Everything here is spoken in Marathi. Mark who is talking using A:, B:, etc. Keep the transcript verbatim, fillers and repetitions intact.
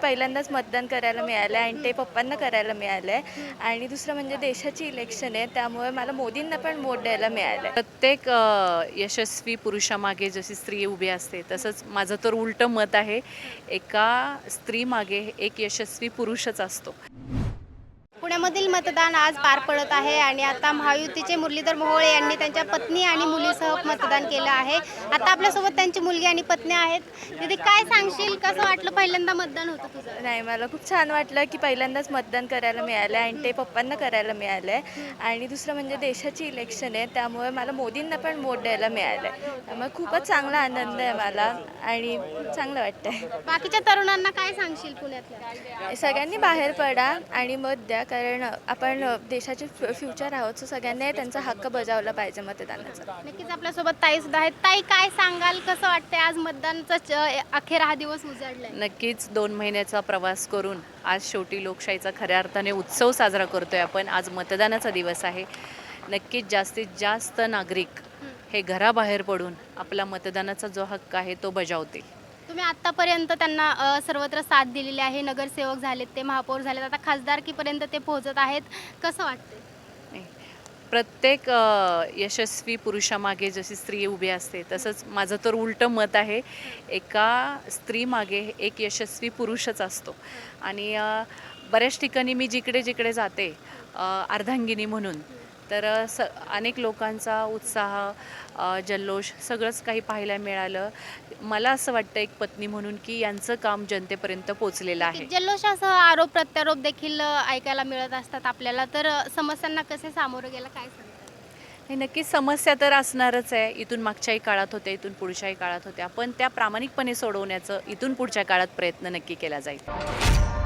A: पहिल्यांदाच मतदान करायला मिळालं आहे आणि ते पप्पांना करायला मिळालं आहे. आणि दुसरं म्हणजे देशाची इलेक्शन आहे, त्यामुळे मला मोदींना पण वोट द्यायला मिळालं आहे.
B: प्रत्येक अ, यशस्वी पुरुषामागे जशी स्त्री उभी असते तसंच माझं तर उलटं मत आहे. एका स्त्रीमागे एक यशस्वी पुरुषच असतो.
C: पुण्यामधील मतदान आज पार पडत आहे आणि आता महायुतीचे मुरलीधर मोहोळ यांनी त्यांच्या पत्नी आणि मुलीसह मतदान केलं आहे. आता आपल्यासोबत त्यांची मुलगी आणि पत्नी आहेत. दीदी, काय सांगशील, कसं वाटलं पहिल्यांदा मतदान होतं तुझं?
A: नाही, मला खूप छान वाटलं की पहिल्यांदाच मतदान करायला मिळालं आहे आणि ते पप्पांना करायला मिळालं आहे. आणि दुसरं म्हणजे देशाची इलेक्शन आहे, त्यामुळे मला मोदींना पण वोट द्यायला मिळालं आहे. त्यामुळे खूपच चांगला आनंद आहे मला आणि चांगलं वाटतं आहे.
C: बाकीच्या तरुणांना काय सांगशील पुण्यातल्या?
A: सगळ्यांनी बाहेर पडा आणि मत द्या, कारण आपण देशाचे फ्यु फ्युचर आहोत. सो सगळ्यांनी त्यांचा हक्क बजावला पाहिजे मतदानाचा.
C: नक्कीच आपल्यासोबत ताई सुद्धा आहेत. ताई, काय सांगाल, कसं वाटतंय आज मतदानचा च- अखेर हा दिवस उजाडलाय?
B: नक्कीच दोन महिन्याचा प्रवास करून आज शेवटी लोकशाहीचा खऱ्या अर्थाने उत्सव साजरा करतोय आपण. आज मतदानाचा दिवस आहे. नक्कीच जास्तीत जास्त नागरिक हे घराबाहेर पडून आपला मतदानाचा जो हक्क आहे तो बजावतील.
C: तुम्ही आतापर्यंत त्यांना अ, सर्वत्र साथ दिलेली आहे. नगरसेवक झालेत, ते महापौर झालेत, आता खासदारकीपर्यंत ते पोहोचत आहेत. कसं वाटतंय?
B: नाही. प्रत्येक अ, यशस्वी पुरुषामागे जशी स्त्री उभी असते तसंच माझं तर उलटं मत आहे. एका स्त्रीमागे एक यशस्वी पुरुषच असतो. आणि अ, बऱ्याच ठिकाणी मी जिकडे जिकडे जाते अ, अर्धांगिनी म्हणून, तर अ, स अनेक लोकांचा उत्साह, अ, जल्लोष सगळंच काही पाहायला मिळालं. मला असं वाटतं एक पत्नी म्हणून की यांचं काम जनतेपर्यंत पोचलेलं आहे.
C: जल्लोषासह आरोप प्रत्यारोप देखील अ, ऐकायला मिळत असतात आपल्याला. तर अ, समस्यांना कसे सामोरं गेलं, काय सांगतात?
B: हे नक्कीच समस्या तर असणारच आहे. इथून मागच्याही काळात होत्या, इथून पुढच्याही काळात होत्या. पण त्या प्रामाणिकपणे सोडवण्याचं इथून पुढच्या काळात प्रयत्न नक्की केला जाईल.